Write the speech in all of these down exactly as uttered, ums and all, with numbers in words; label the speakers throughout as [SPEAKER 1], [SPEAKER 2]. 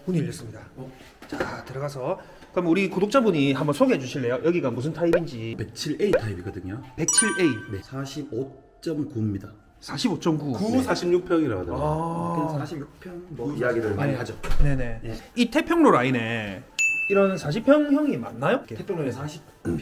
[SPEAKER 1] 문이 열렸습니다.
[SPEAKER 2] 어?
[SPEAKER 1] 자, 들어가서 그럼 우리 구독자분이 한번 소개해 주실래요? 여기가 무슨 타입인지.
[SPEAKER 2] 백칠 에이 타입이거든요.
[SPEAKER 1] 백칠 에이
[SPEAKER 2] 네, 사십오 점 구입니다.
[SPEAKER 1] 사십오 점 구.
[SPEAKER 3] 구 사십육 평이라고 하더라고요.
[SPEAKER 1] 아,
[SPEAKER 2] 사십육 평 뭐 이야기를 많이 하죠.
[SPEAKER 1] 네네.
[SPEAKER 2] 네.
[SPEAKER 1] 이 태평로 라인에 이런 사십 평형이 맞나요?
[SPEAKER 2] 태평로에 사십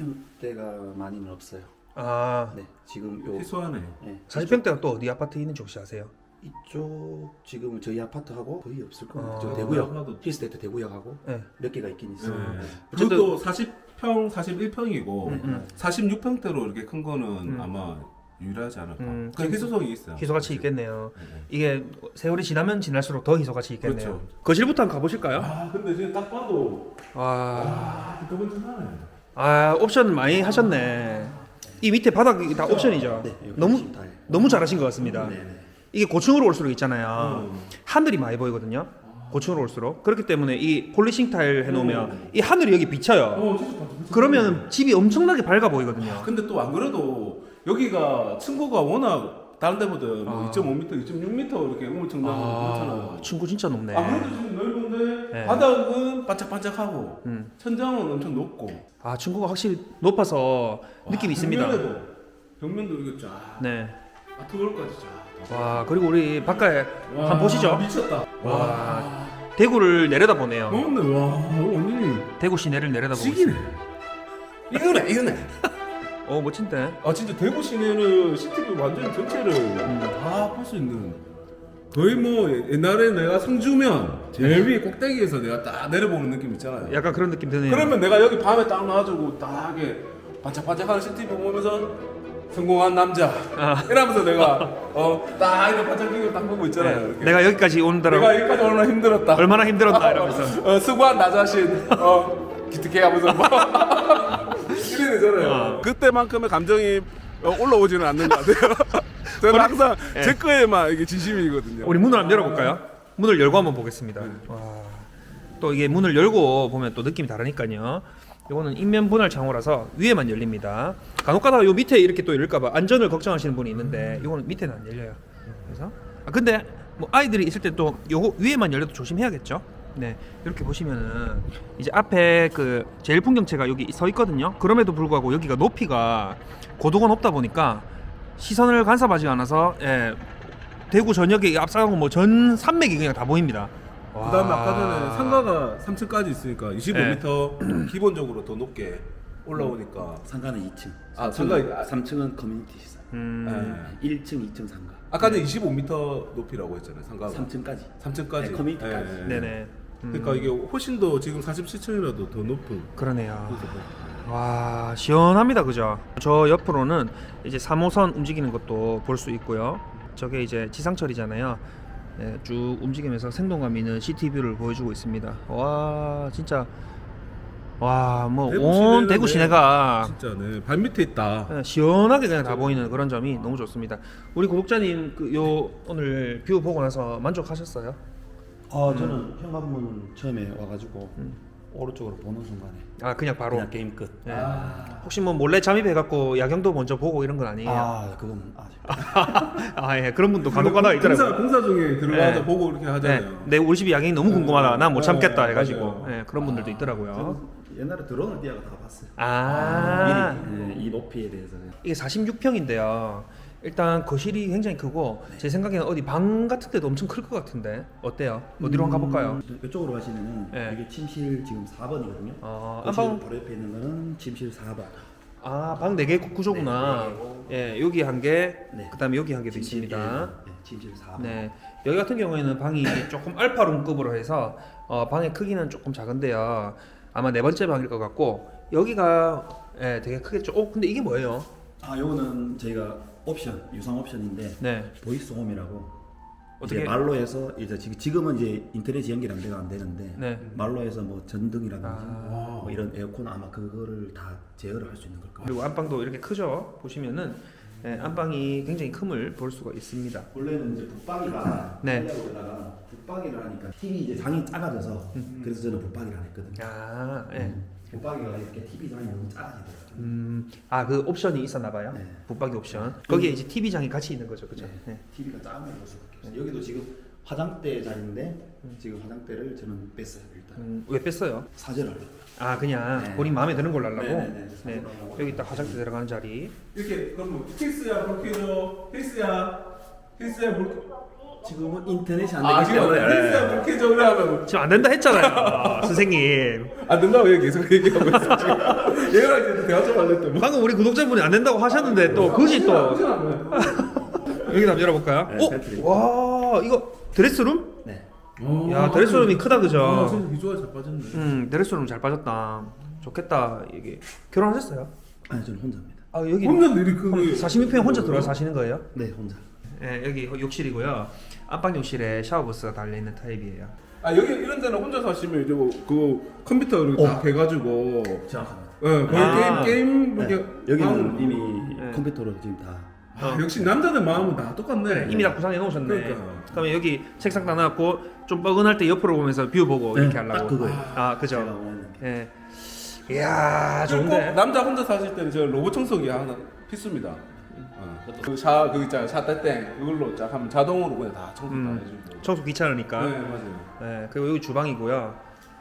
[SPEAKER 2] 평대가 많이는 없어요.
[SPEAKER 1] 아,
[SPEAKER 2] 네, 지금 요
[SPEAKER 3] 희소하네.
[SPEAKER 2] 네,
[SPEAKER 1] 사십 평대가 또 어디 아파트에 있는지 혹시 아세요?
[SPEAKER 2] 이쪽 지금 저희 아파트하고 거의 없을 거예요.
[SPEAKER 1] 아,
[SPEAKER 2] 저 대구역,
[SPEAKER 3] 아파트.
[SPEAKER 2] 힐스테이트 대구역하고
[SPEAKER 1] 네.
[SPEAKER 2] 몇 개가 있긴 있어요.
[SPEAKER 3] 네.
[SPEAKER 2] 네.
[SPEAKER 3] 그것도 사십 평, 사십일 평이고
[SPEAKER 1] 음, 음.
[SPEAKER 3] 사십육 평대로 이렇게 큰 거는
[SPEAKER 1] 음.
[SPEAKER 3] 아마 유일하지 않을까.
[SPEAKER 1] 음,
[SPEAKER 3] 그 희소성이 있어요.
[SPEAKER 1] 희소가치 있겠네요.
[SPEAKER 3] 네, 네.
[SPEAKER 1] 이게 세월이 지나면 지날수록 더 희소가치 있겠네요.
[SPEAKER 3] 그렇죠.
[SPEAKER 1] 거실부터 한번 가보실까요?
[SPEAKER 3] 아 근데 지금 딱 봐도
[SPEAKER 1] 와,
[SPEAKER 3] 아 뜨끈뜨끈하네.
[SPEAKER 1] 아 옵션 많이 하셨네. 이 밑에 바닥이 다 옵션이죠.
[SPEAKER 2] 네, 여기
[SPEAKER 1] 너무
[SPEAKER 2] 지금 다 해요.
[SPEAKER 1] 너무 잘하신 것 같습니다.
[SPEAKER 2] 네, 네.
[SPEAKER 1] 이게 고층으로 올수록 있잖아요.
[SPEAKER 3] 음.
[SPEAKER 1] 하늘이 많이 보이거든요. 고층으로 올수록 그렇기 때문에 이 폴리싱 타일 해놓으면
[SPEAKER 3] 음.
[SPEAKER 1] 이 하늘이 여기 비쳐요.
[SPEAKER 3] 어 진짜 반짝반짝.
[SPEAKER 1] 그러면 집이 엄청나게 밝아 보이거든요.
[SPEAKER 3] 근데 또 안 그래도 여기가 층고가 워낙 다른 데보다 뭐
[SPEAKER 1] 아.
[SPEAKER 3] 이점오 미터, 이점육 미터 이렇게 우물청나고
[SPEAKER 1] 아,
[SPEAKER 3] 그렇잖아요.
[SPEAKER 1] 친구 진짜 높네.
[SPEAKER 3] 아 그래도 지금 넓은데
[SPEAKER 1] 네.
[SPEAKER 3] 바닥은 반짝반짝하고
[SPEAKER 1] 음.
[SPEAKER 3] 천장은 엄청 높고
[SPEAKER 1] 아, 친구가 확실히 높아서 느낌이
[SPEAKER 3] 와,
[SPEAKER 1] 있습니다.
[SPEAKER 3] 벽면에도 벽면도 이거 쫙
[SPEAKER 1] 네.
[SPEAKER 3] 아트월까지 쫙.
[SPEAKER 1] 와, 그리고 우리 바깥에
[SPEAKER 3] 와,
[SPEAKER 1] 한번 보시죠.
[SPEAKER 3] 미쳤다.
[SPEAKER 1] 와. 대구를 내려다 보네요.
[SPEAKER 3] 맞네. 와 완전히
[SPEAKER 1] 대구 시내를 내려다 보고
[SPEAKER 3] 시기네.
[SPEAKER 1] 있습니다.
[SPEAKER 3] 이거네 이거네.
[SPEAKER 1] 어, 멋진데.
[SPEAKER 3] 아 진짜 대구 시내는 시티뷰 완전 전체를
[SPEAKER 1] 음.
[SPEAKER 3] 다 볼 수 있는. 거의 뭐 옛날에 내가 성주면 제일 위에 꼭대기에서 내가 딱 내려보는 느낌 있잖아요.
[SPEAKER 1] 약간 그런 느낌 드네요.
[SPEAKER 3] 그러면 내가 여기 밤에 딱 놔가지고 딱 이게 반짝반짝하는 시티뷰 보면서 성공한 남자
[SPEAKER 1] 아.
[SPEAKER 3] 이러면서 내가 어딱 이렇게 반짝이고 딱 보고 있잖아요.
[SPEAKER 1] 네.
[SPEAKER 3] 이렇게.
[SPEAKER 1] 내가 여기까지 오느라고
[SPEAKER 3] 내가 여기까지 얼마나 힘들었다.
[SPEAKER 1] 얼마나 힘들었나 이러면서.
[SPEAKER 3] 어, 수고한 나 자신 어 기특해하면서 뭐 이래 되잖아요.
[SPEAKER 1] 어.
[SPEAKER 3] 그때만큼의 감정이 어, 올라오지는 않는 것 같아요. 저는 항상
[SPEAKER 1] 예.
[SPEAKER 3] 제 거에만 이게 진심이거든요.
[SPEAKER 1] 우리 문을 한번 열어볼까요? 문을 열고 한번 보겠습니다.
[SPEAKER 3] 네.
[SPEAKER 1] 와, 또 이게 문을 열고 보면 또 느낌이 다르니까요. 이거는 인면 분할 창호라서 위에만 열립니다. 간혹가다가 요 밑에 이렇게 또 열릴까봐 안전을 걱정하시는 분이 있는데 이거는 밑에는 안 열려요. 그래서 아 근데 뭐 아이들이 있을 때 또 요거 위에만 열려도 조심해야겠죠. 네, 이렇게 보시면은 이제 앞에 그 제일 풍경체가 여기 서 있거든요. 그럼에도 불구하고 여기가 높이가 고도가 높다 보니까 시선을 간섭하지 않아서 예, 대구 전역에 앞서가고 뭐 전 산맥이 그냥 다 보입니다. 와.
[SPEAKER 3] 그다음에 아까 전에 상가가 삼 층까지 있으니까 이십오 미터
[SPEAKER 1] 네.
[SPEAKER 3] 기본적으로 더 높게 올라오니까
[SPEAKER 2] 상가는 이 층.
[SPEAKER 3] 아,
[SPEAKER 2] 삼
[SPEAKER 3] 상가-
[SPEAKER 2] 층은, 삼 층은 커뮤니티 시설.
[SPEAKER 1] 음,
[SPEAKER 3] 예.
[SPEAKER 2] 일 층, 이 층 상가.
[SPEAKER 3] 아까는 이십오 미터 높이라고 했잖아요. 상가가
[SPEAKER 2] 삼 층까지.
[SPEAKER 3] 삼 층까지
[SPEAKER 2] 네, 커뮤니티까지.
[SPEAKER 1] 네네. 음,
[SPEAKER 3] 그러니까 이게 훨씬 더 지금 사십칠 층이라도 더 높은.
[SPEAKER 1] 그러네요. 와, 시원합니다, 그죠? 저 옆으로는 이제 삼 호선 움직이는 것도 볼 수 있고요. 저게 이제 지상철이잖아요. 네, 쭉 움직이면서 생동감 있는 시티뷰를 보여주고 있습니다. 와, 진짜 와, 뭐
[SPEAKER 3] 대구
[SPEAKER 1] 온
[SPEAKER 3] 시내는
[SPEAKER 1] 대구
[SPEAKER 3] 네,
[SPEAKER 1] 시내가
[SPEAKER 3] 진짜 네 발밑에 있다.
[SPEAKER 1] 네, 시원하게 그냥 다 보이는 그런 점이 너무 좋습니다. 우리 구독자님 그 요 오늘 뷰 보고 나서 만족하셨어요?
[SPEAKER 2] 아 저는 현관문 처음에 와가지고 오른쪽으로 보는 순간에
[SPEAKER 1] 아, 그냥 바로.
[SPEAKER 2] 그냥 게임 끝.
[SPEAKER 1] 네.
[SPEAKER 3] 아,
[SPEAKER 1] 혹시 뭐 몰래 잠입해갖고 야경도 먼저 보고 이런 건 아니에요?
[SPEAKER 2] 아 그건 아직.
[SPEAKER 1] 아, 예, 그런 분도 간혹가다가
[SPEAKER 3] 공사
[SPEAKER 1] 있더라고요.
[SPEAKER 3] 공사 중에 들어가서
[SPEAKER 1] 네.
[SPEAKER 3] 보고 이렇게
[SPEAKER 1] 네,
[SPEAKER 3] 하잖아요.
[SPEAKER 1] 내 우리 집 야경이 너무 궁금하다. 난 못
[SPEAKER 3] 어,
[SPEAKER 1] 참겠다
[SPEAKER 3] 어,
[SPEAKER 1] 해가지고
[SPEAKER 3] 맞아요.
[SPEAKER 1] 예, 그런 분들도 있더라고요.
[SPEAKER 2] 저는 옛날에 드론을 띄어가 다 봤어요.
[SPEAKER 1] 아,
[SPEAKER 2] 미리 네, 이 높이에 대해서.
[SPEAKER 1] 이게 사십육 평인데요. 일단 거실이 굉장히 크고 제 생각에는 어디 방 같은 데도 엄청 클 것 같은데 어때요? 어디로 한번 가볼까요?
[SPEAKER 2] 음, 이쪽으로 가시면은
[SPEAKER 1] 네.
[SPEAKER 2] 이게 침실 지금 사 번이거든요.
[SPEAKER 1] 어,
[SPEAKER 2] 거실
[SPEAKER 1] 안방
[SPEAKER 2] 바로 옆에 있는 거는 침실 사 번.
[SPEAKER 1] 아, 방 네 개 구조구나. 예, 여기 한 개,
[SPEAKER 2] 네.
[SPEAKER 1] 그다음에 여기 한 개도
[SPEAKER 2] 침실
[SPEAKER 1] 있습니다.
[SPEAKER 2] 일, 네, 침실 사 번.
[SPEAKER 1] 네, 여기 같은 경우에는 방이 조금 알파룸급으로 해서 어, 방의 크기는 조금 작은데요. 아마 네 번째 방일 것 같고 여기가 예, 되게 크겠죠. 어, 근데 이게 뭐예요?
[SPEAKER 2] 아 요거는 저희가 옵션 유상 옵션인데
[SPEAKER 1] 네,
[SPEAKER 2] 보이스 홈이라고
[SPEAKER 1] 어떻게?
[SPEAKER 2] 이제 말로 해서 이제 지금 지금은 이제 인터넷 연결 안 돼가 안 되는데
[SPEAKER 1] 네.
[SPEAKER 2] 말로 해서 뭐 전등이라든지
[SPEAKER 1] 아.
[SPEAKER 2] 뭐 이런 에어컨 아마 그거를 다 제어를 할 수 있는 걸 거예요.
[SPEAKER 1] 그리고 안방도 이렇게 크죠. 보시면은 예, 안방이 굉장히 큼을 볼 수가 있습니다.
[SPEAKER 2] 원래는 이제 붙박이가
[SPEAKER 1] 네.
[SPEAKER 2] 하려다가 붙박이를 하니까 티비 이제 장이 작아져서 그래서 저는 붙박이를 안 했거든요.
[SPEAKER 1] 아, 예.
[SPEAKER 2] 음, 붙박이가 이렇게 티비 장이 너무 작아지더라고요.
[SPEAKER 1] 음, 아, 그 옵션이 있었나 봐요.
[SPEAKER 2] 네.
[SPEAKER 1] 붙박이 옵션. 거기에 이제 티비 장이 같이 있는 거죠, 그죠?
[SPEAKER 2] 네.
[SPEAKER 1] 네.
[SPEAKER 2] 티비가 작으면 볼 수밖에 없어요. 여기도 지금 화장대 자리인데 지금 화장대를 저는 뺐어요 일단.
[SPEAKER 1] 음, 왜 뺐어요?
[SPEAKER 2] 사절하려고요.
[SPEAKER 1] 아 그냥
[SPEAKER 2] 네.
[SPEAKER 1] 본인 마음에 드는 걸로 하려고.
[SPEAKER 2] 네네네.
[SPEAKER 1] 네. 여기 딱 화장대 들어가는 자리.
[SPEAKER 3] 이렇게 그럼 뭐 힐스야 불켜줘 힐스야 힐스야 불
[SPEAKER 2] 지금은 인터넷이 안
[SPEAKER 3] 아
[SPEAKER 2] 되기
[SPEAKER 3] 지금
[SPEAKER 2] 때문에
[SPEAKER 3] 힐스야 불켜줘 그래 하면
[SPEAKER 1] 지금 안 된다 했잖아요, 선생님.
[SPEAKER 3] 안 된다고 얘 계속 얘기하고 있어 지금 얘랑 이제 대화 좀 할랬더니 뭐
[SPEAKER 1] 방금 우리 구독자분이 안 된다고 하셨는데 또 그지 또 여기 한번 열어볼까요?
[SPEAKER 2] 네,
[SPEAKER 1] 어?
[SPEAKER 2] 팬트리.
[SPEAKER 1] 와 이거 드레스룸?
[SPEAKER 2] 네.
[SPEAKER 1] 야 드레스룸이 크다 그죠?
[SPEAKER 3] 아 진짜 비주얼 잘 빠졌네
[SPEAKER 1] 음 드레스룸 잘 빠졌다. 좋겠다. 이게 결혼하셨어요?
[SPEAKER 2] 아니 저는 혼자입니다.
[SPEAKER 1] 아 여기
[SPEAKER 3] 혼자 내리 그
[SPEAKER 1] 사십육 평에 혼자 들어와 사시는 거예요?
[SPEAKER 2] 네 혼자.
[SPEAKER 1] 네 여기 욕실이고요. 안방 욕실에 샤워부스가 달려 있는 타입이에요.
[SPEAKER 3] 아 여기 이런 데는 혼자 사시면 이제 뭐그 컴퓨터 이렇게 다 해가지고
[SPEAKER 2] 정확합니다.
[SPEAKER 3] 예 거의
[SPEAKER 1] 아.
[SPEAKER 3] 게임 게임
[SPEAKER 2] 네.
[SPEAKER 3] 이렇게
[SPEAKER 2] 여기는
[SPEAKER 3] 하는-
[SPEAKER 2] 이미
[SPEAKER 1] 네.
[SPEAKER 2] 컴퓨터로 지금 다.
[SPEAKER 3] 아, 역시 남자들 마음은 다 똑같네.
[SPEAKER 1] 이미 다 구상해 놓으셨네.
[SPEAKER 3] 그러니까.
[SPEAKER 1] 그러면 여기 책상 다 놔놨고 좀 뻐근할 때 옆으로 보면서 뷰 보고
[SPEAKER 2] 네,
[SPEAKER 1] 이렇게 하려고.
[SPEAKER 2] 딱 그거예요.
[SPEAKER 1] 아 그죠.
[SPEAKER 2] 제가 원하는 게.
[SPEAKER 1] 예. 이야
[SPEAKER 3] 그리고
[SPEAKER 1] 좋은데.
[SPEAKER 3] 꼭 남자 혼자 사실 때는 저 로봇 청소기 하나 필수입니다. 어. 그샤 그 있잖아 샤떼땡 그걸로 쫙 하면 자동으로 그냥 다 청소 다
[SPEAKER 1] 음.
[SPEAKER 3] 해주고.
[SPEAKER 1] 청소 귀찮으니까.
[SPEAKER 3] 네 맞아요.
[SPEAKER 1] 네, 그리고 여기 주방이고요.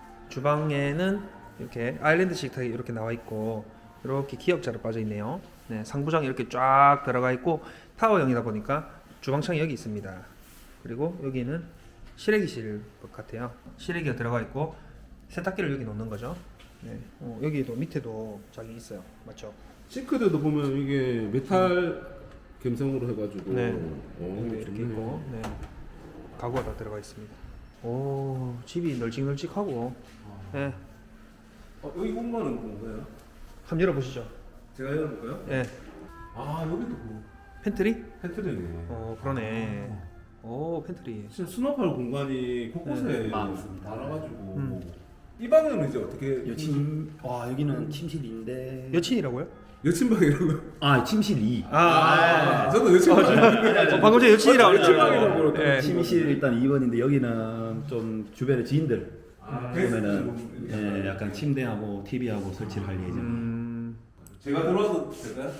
[SPEAKER 1] 주방에는 이렇게 아일랜드식 타입 이렇게 나와 있고 이렇게 기역자로 빠져 있네요. 네, 상부장이 이렇게 쫙 들어가 있고 타워형이다 보니까 주방창이 여기 있습니다. 그리고 여기는 실외기실 같아요. 실외기가 들어가 있고 세탁기를 여기 놓는 거죠. 네, 어, 여기도 밑에도 자기 있어요. 맞죠?
[SPEAKER 3] 싱크대도 보면 이게 메탈 감성으로 해가지고.
[SPEAKER 1] 네.
[SPEAKER 3] 오,
[SPEAKER 1] 여기 이렇게
[SPEAKER 3] 좋네.
[SPEAKER 1] 있고, 네, 가구가 다 들어가 있습니다. 오, 집이 널찍널찍하고, 네,
[SPEAKER 3] 어, 여기 공간은 뭔가요?
[SPEAKER 1] 한번 열어보시죠.
[SPEAKER 3] 제가 열어볼까요?
[SPEAKER 1] 네,
[SPEAKER 3] 아 여기도 뭐
[SPEAKER 1] 팬트리?
[SPEAKER 3] 팬트리네.
[SPEAKER 1] 어 그러네. 오 팬트리.
[SPEAKER 3] 진짜 수납할 공간이 곳곳에
[SPEAKER 2] 네, 많습니다.
[SPEAKER 3] 많아가지고.
[SPEAKER 1] 음.
[SPEAKER 3] 이 방은 이제 어떻게?
[SPEAKER 2] 여친. 와 여기는 침실인데.
[SPEAKER 1] 여친이라고요?
[SPEAKER 3] 여친방이라고.
[SPEAKER 2] 아 침실 이.
[SPEAKER 1] 아,
[SPEAKER 3] 아, 저도 여친방.
[SPEAKER 1] 어, 방금 전에 여친이라고
[SPEAKER 3] 여친방이라고
[SPEAKER 1] 그랬죠.
[SPEAKER 3] 그랬더니
[SPEAKER 1] 예.
[SPEAKER 2] 침실 일단 이 번인데 여기는 좀 주변의 지인들
[SPEAKER 3] 아,
[SPEAKER 2] 보면은
[SPEAKER 3] 게스트
[SPEAKER 2] 예, 약간 침대하고 티비하고 설치를 할 예정.
[SPEAKER 1] 음,
[SPEAKER 3] 제가 들어와도 될까요?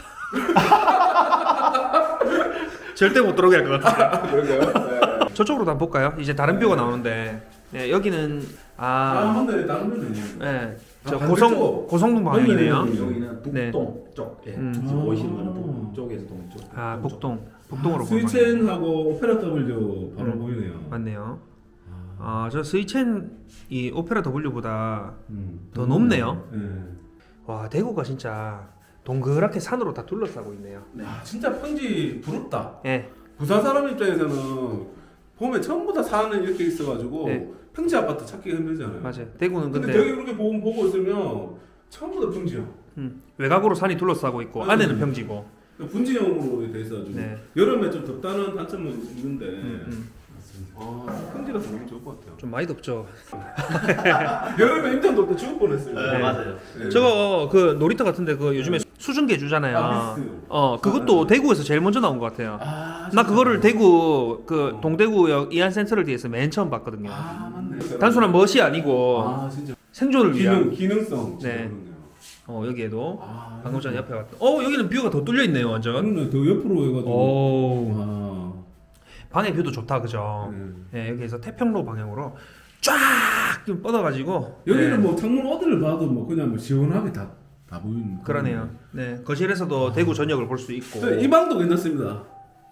[SPEAKER 1] 절대 못 들어오게 할 것 같아요.
[SPEAKER 3] 그럴까요? 네.
[SPEAKER 1] 저쪽으로 한번 볼까요? 이제 다른 뷰가 나오는데, 네, 여기는
[SPEAKER 3] 아,
[SPEAKER 1] 아,
[SPEAKER 3] 근데 다른 분이
[SPEAKER 1] 네, 저
[SPEAKER 3] 아,
[SPEAKER 1] 고성
[SPEAKER 3] 반대쪽.
[SPEAKER 1] 고성동 방향이네요.
[SPEAKER 2] 여기는 북동
[SPEAKER 1] 네.
[SPEAKER 2] 쪽. 예.
[SPEAKER 1] 음.
[SPEAKER 2] 지금 보이시는 거는
[SPEAKER 3] 아.
[SPEAKER 2] 북쪽에서 동쪽.
[SPEAKER 1] 아, 북동, 북동으로
[SPEAKER 3] 아,
[SPEAKER 1] 보면
[SPEAKER 3] 스위첸하고 오페라 W 바로
[SPEAKER 1] 음.
[SPEAKER 3] 보이네요.
[SPEAKER 1] 맞네요. 아, 저 스위첸 이 오페라 W보다
[SPEAKER 3] 음.
[SPEAKER 1] 더 높네요.
[SPEAKER 3] 네.
[SPEAKER 1] 와, 대구가 진짜 동그랗게 산으로 다 둘러싸고 있네요.
[SPEAKER 3] 아, 진짜 평지 부럽다.
[SPEAKER 1] 예,
[SPEAKER 3] 부산 사람 입장에서는 보면 전부 다 산은 이렇게 있어가지고
[SPEAKER 1] 네.
[SPEAKER 3] 평지 아파트 찾기 힘들잖아요.
[SPEAKER 1] 맞아요. 대구는
[SPEAKER 3] 근데,
[SPEAKER 1] 근데
[SPEAKER 3] 여기 그렇게 보고, 보고 있으면 전부 다 평지야.
[SPEAKER 1] 음, 외곽으로 산이 둘러싸고 있고
[SPEAKER 3] 맞아요.
[SPEAKER 1] 안에는 평지고.
[SPEAKER 3] 분지형으로 돼 있어가지고
[SPEAKER 1] 네.
[SPEAKER 3] 여름에 좀 덥다는 단점은 있는데
[SPEAKER 1] 음, 음.
[SPEAKER 3] 아, 평지라서 너무 좋을 것 같아요.
[SPEAKER 1] 좀 많이 덥죠.
[SPEAKER 3] 여름에 인천 덥때 죽을 뻔했어요.
[SPEAKER 1] 네.
[SPEAKER 2] 맞아요.
[SPEAKER 3] 네.
[SPEAKER 1] 저거 그 놀이터 같은데 그 요즘에 수중계 주잖아요.
[SPEAKER 3] 아, 미스트.
[SPEAKER 1] 어, 그것도 대구에서 제일 먼저 나온 것 같아요.
[SPEAKER 3] 아,
[SPEAKER 1] 나 그거를 대구 그
[SPEAKER 3] 어.
[SPEAKER 1] 동대구역 이안센터를 뒤에서 맨 처음 봤거든요.
[SPEAKER 3] 아 맞네.
[SPEAKER 1] 단순한 멋이 아니고
[SPEAKER 3] 아 진짜
[SPEAKER 1] 생존을 위한.
[SPEAKER 3] 기능 기능성. 진짜
[SPEAKER 1] 네.
[SPEAKER 3] 그렇네요.
[SPEAKER 1] 어 여기에도
[SPEAKER 3] 아,
[SPEAKER 1] 방금 전에 옆에 왔던. 어 여기는 뷰가 더 뚫려 있네요 완전.
[SPEAKER 3] 그러네. 더 옆으로 해가지고.
[SPEAKER 1] 오
[SPEAKER 3] 아.
[SPEAKER 1] 방의 뷰도 좋다 그죠.
[SPEAKER 3] 네.
[SPEAKER 1] 예 여기에서 태평로 방향으로 쫙 좀 뻗어가지고.
[SPEAKER 3] 여기는
[SPEAKER 1] 네.
[SPEAKER 3] 뭐 창문 어디를 봐도 뭐 그냥 뭐 시원하게 다 다 보이는.
[SPEAKER 1] 그러네요. 네 거실에서도 대구 전역을 볼 수 있고.
[SPEAKER 3] 네, 이 방도 괜찮습니다.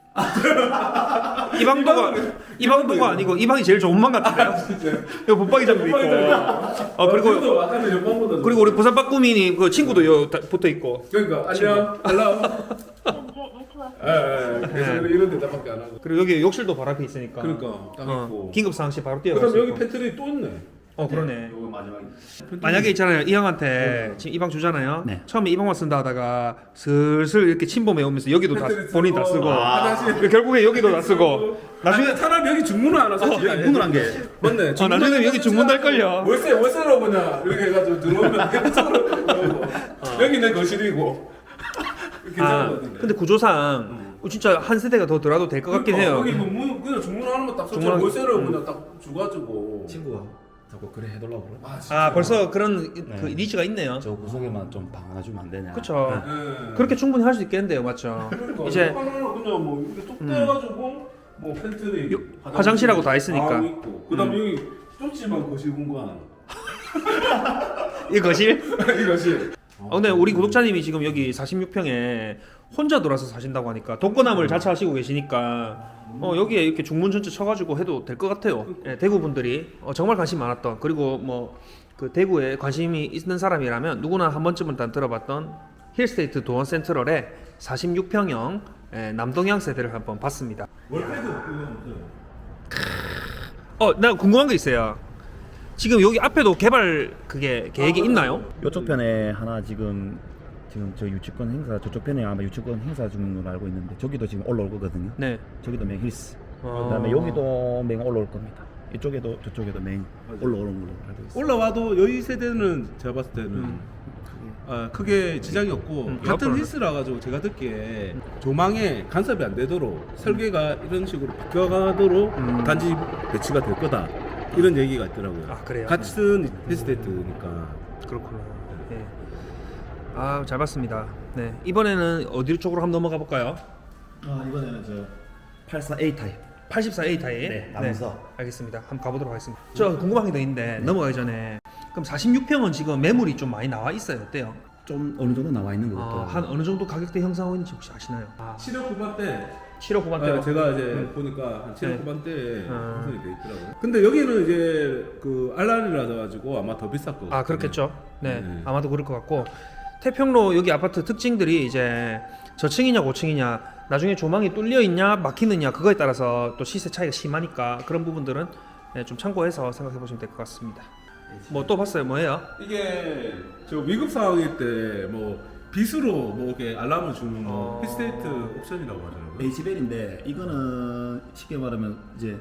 [SPEAKER 1] 이 방도가 이 방도가 아니고 이 방이 제일 좋은 방 같아요. 여기 붙박이장도 있고. 어 그리고
[SPEAKER 3] 그래도 아까는 옆방보다 좀-
[SPEAKER 1] 그리고 우리 부산 빠꾸민이 그 친구도 여 다- 붙어 있고.
[SPEAKER 3] 그러니까 안녕, 헬로.
[SPEAKER 4] 네트워크
[SPEAKER 3] 예, 예. 그래서
[SPEAKER 1] 네.
[SPEAKER 3] 이런 데다밖에 안 하고.
[SPEAKER 1] 그리고 여기 욕실도 바로 앞에 있으니까.
[SPEAKER 3] 그러니까 딱
[SPEAKER 1] 어,
[SPEAKER 3] 있고.
[SPEAKER 1] 긴급 상황 시 바로 뛰어갈
[SPEAKER 3] 그다음
[SPEAKER 1] 수
[SPEAKER 3] 여기
[SPEAKER 1] 있고.
[SPEAKER 3] 팬트리 또 있네.
[SPEAKER 1] 어 그러네.
[SPEAKER 2] 요거 마지막에.
[SPEAKER 1] 만약에 있잖아요 이 형한테 지금 이 방 주잖아요.
[SPEAKER 2] 네.
[SPEAKER 1] 처음에 이 방만 쓴다 하다가 슬슬 이렇게 침범해 오면서 여기도 다
[SPEAKER 3] 팬트리
[SPEAKER 1] 본인 다 쓰고
[SPEAKER 3] 아, 화장실.
[SPEAKER 1] 결국에 여기도 다 쓰고 나중에
[SPEAKER 3] 아니, 차라리 여기 중문을 하나 설치.
[SPEAKER 2] 여기 문을 한 개.
[SPEAKER 3] 맞네.
[SPEAKER 1] 어, 나중에 여기 중문 달걸요.
[SPEAKER 3] 월세 월세로 그냥 이렇게 해가지고 들어오면 괜찮을 여기 내 거실이고. 괜찮은
[SPEAKER 1] 아
[SPEAKER 3] 것 같은데.
[SPEAKER 1] 근데 구조상 어, 진짜 한 세대가 더 들어도 될 것 같긴
[SPEAKER 3] 그러니까
[SPEAKER 1] 해요.
[SPEAKER 3] 여기 뭐 문, 그냥 중문 하나만 딱 설치.
[SPEAKER 1] 중문-
[SPEAKER 3] 월세를
[SPEAKER 1] 음.
[SPEAKER 3] 그냥 딱 주가지고.
[SPEAKER 2] 친구가 자꾸 그래 해달라고 그래.
[SPEAKER 3] 아, 진짜.
[SPEAKER 1] 아 벌써 그런 그
[SPEAKER 2] 네.
[SPEAKER 1] 니즈가 있네요.
[SPEAKER 2] 저 구석에만 좀 방 하나 주면 안 되냐.
[SPEAKER 1] 그쵸.
[SPEAKER 3] 네.
[SPEAKER 1] 그렇게 충분히 할 수 있겠는데요, 맞죠?
[SPEAKER 3] 그러니까
[SPEAKER 1] 이제
[SPEAKER 3] 하나는 그냥 뭐 이렇게 뚝
[SPEAKER 1] 음.
[SPEAKER 3] 떼가지고 뭐 팬트리,
[SPEAKER 1] 요- 화장실하고 다 있으니까.
[SPEAKER 3] 있고. 그다음에 여기 좁지만 거실 공간.
[SPEAKER 1] 이 거실?
[SPEAKER 3] 이것이.
[SPEAKER 1] 아, 근데 우리 구독자님이 지금 여기 사십육 평에 혼자 돌아서 사신다고 하니까 독거남을 자처하시고 계시니까 어, 여기에 이렇게 중문 전체 쳐가지고 해도 될 것 같아요. 예, 대구 분들이 어, 정말 관심 많았던, 그리고 뭐 그 대구에 관심이 있는 사람이라면 누구나 한 번쯤은 다 들어봤던 힐스테이트 도원 센트럴의 사십육 평형 예, 남동향 세대를 한번 봤습니다.
[SPEAKER 3] 월패드 그거
[SPEAKER 1] 어, 나 궁금한 게 있어요. 지금 여기 앞에도 개발 그게 계획이 있나요?
[SPEAKER 2] 이쪽 편에 하나 지금 지금 저 유치권 행사 저쪽 편에 아마 유치권 행사 중인 걸로 알고 있는데 저기도 지금 올라올 거거든요.
[SPEAKER 1] 네.
[SPEAKER 2] 저기도 맹 힐스.
[SPEAKER 1] 어.
[SPEAKER 2] 그다음에 여기도 맹 올라올 겁니다. 이쪽에도 저쪽에도 맹 올라오는 걸로 알고 있어요.
[SPEAKER 3] 올라와도 여기 세대는 제가 봤을 때는
[SPEAKER 1] 음.
[SPEAKER 3] 아, 크게 지장이 없고
[SPEAKER 1] 음,
[SPEAKER 3] 같은
[SPEAKER 1] 옆으로는.
[SPEAKER 3] 힐스라 가지고 제가 듣기에 조망에 간섭이 안 되도록 설계가 이런 식으로 비껴가도록
[SPEAKER 1] 음.
[SPEAKER 3] 단지 배치가 될 거다 이런 얘기가 있더라고요.
[SPEAKER 1] 아, 그래요?
[SPEAKER 3] 같은 힐스테이트니까.
[SPEAKER 1] 그렇구나. 예. 아, 잘 봤습니다. 네. 이번에는 어디 쪽으로 한번 넘어가 볼까요?
[SPEAKER 2] 아 이번에는 저 팔십사 에이 타입.
[SPEAKER 1] 팔십사 에이 타입.
[SPEAKER 2] 네, 남서.
[SPEAKER 1] 알겠습니다. 한번 가보도록 하겠습니다. 저 궁금한 게 더 있는데 넘어가기 전에 그럼 사십육 평은 지금 매물이 좀 많이 나와 있어요. 어때요?
[SPEAKER 2] 좀 어느 정도 나와 있는 것
[SPEAKER 1] 아,
[SPEAKER 2] 같아요.
[SPEAKER 1] 한 어느 정도 가격대 형성하고 있는지 혹시 아시나요? 아,
[SPEAKER 3] 칠억 후반대
[SPEAKER 1] 칠억 후반대.
[SPEAKER 3] 아, 제가 이제
[SPEAKER 1] 음.
[SPEAKER 3] 보니까 한 칠억
[SPEAKER 1] 네.
[SPEAKER 3] 후반대에
[SPEAKER 1] 아.
[SPEAKER 3] 형성이 돼 있더라고요. 근데 여기는 이제 그 알란이라서 가지고 아마 더 비쌀 거예요.
[SPEAKER 1] 아, 그렇겠죠. 네.
[SPEAKER 3] 네.
[SPEAKER 1] 아마도 그럴 것 같고 태평로 여기 아파트 특징들이 이제 저층이냐 고층이냐, 나중에 조망이 뚫려 있냐 막히느냐 그거에 따라서 또 시세 차이가 심하니까 그런 부분들은 네, 좀 참고해서 생각해 보시면 될 것 같습니다. 뭐 또 봤어요? 뭐예요?
[SPEAKER 3] 이게 저 위급 상황일 때 뭐 빗으로 뭐 이렇게 알람을 주는
[SPEAKER 1] 어.
[SPEAKER 3] 뭐 힐스테이트 옵션이라고 하더라고요.
[SPEAKER 2] 에이치벨인데 이거는 쉽게 말하면 이제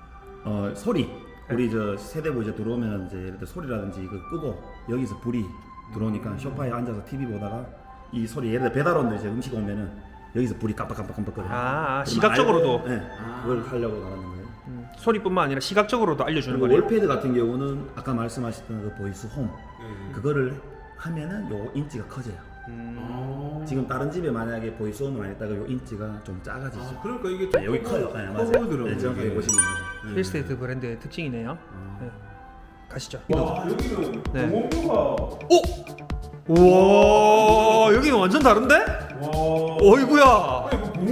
[SPEAKER 2] 어 소리 우리 저 세대부 이제 들어오면 이제 예를 들어 소리라든지 이거 끄고 여기서 불이 들어오니까 소파에 앉아서 티비 보다가 이 소리 예를 들어 배달 온데 이제 음식 오면은 여기서 불이 깜빡깜빡깜빡거려요.
[SPEAKER 1] 아, 아,
[SPEAKER 2] 그러면
[SPEAKER 1] 시각적으로도.
[SPEAKER 2] 알고, 네, 그걸 하려고 나가는 거예요.
[SPEAKER 1] 음, 소리뿐만 아니라 시각적으로도 알려주는
[SPEAKER 2] 그리고
[SPEAKER 1] 거네요.
[SPEAKER 2] 월패드 같은 경우는 아까 말씀하셨던 그 보이스 홈
[SPEAKER 3] 네.
[SPEAKER 2] 그거를 하면은 요 인치가 커져요.
[SPEAKER 1] 음,
[SPEAKER 3] 아.
[SPEAKER 2] 지금 다른 집에 만약에 보이스 홈을 안 했다가 요 인치가 좀 작아지죠.
[SPEAKER 3] 아, 그러니까 이게
[SPEAKER 2] 아, 여기 커요. 네, 맞아요.
[SPEAKER 3] 커보이더라고요.
[SPEAKER 2] 네, 정확하게
[SPEAKER 3] 이게.
[SPEAKER 2] 보시면 맞아요.
[SPEAKER 3] 네.
[SPEAKER 1] 힐스테이트 브랜드의 특징이네요. 네. 가시죠.
[SPEAKER 3] 와 여기는
[SPEAKER 1] 네.
[SPEAKER 3] 공원뷰가
[SPEAKER 1] 우와, 여기는 완전 다른데?
[SPEAKER 3] 와
[SPEAKER 1] 어이구야.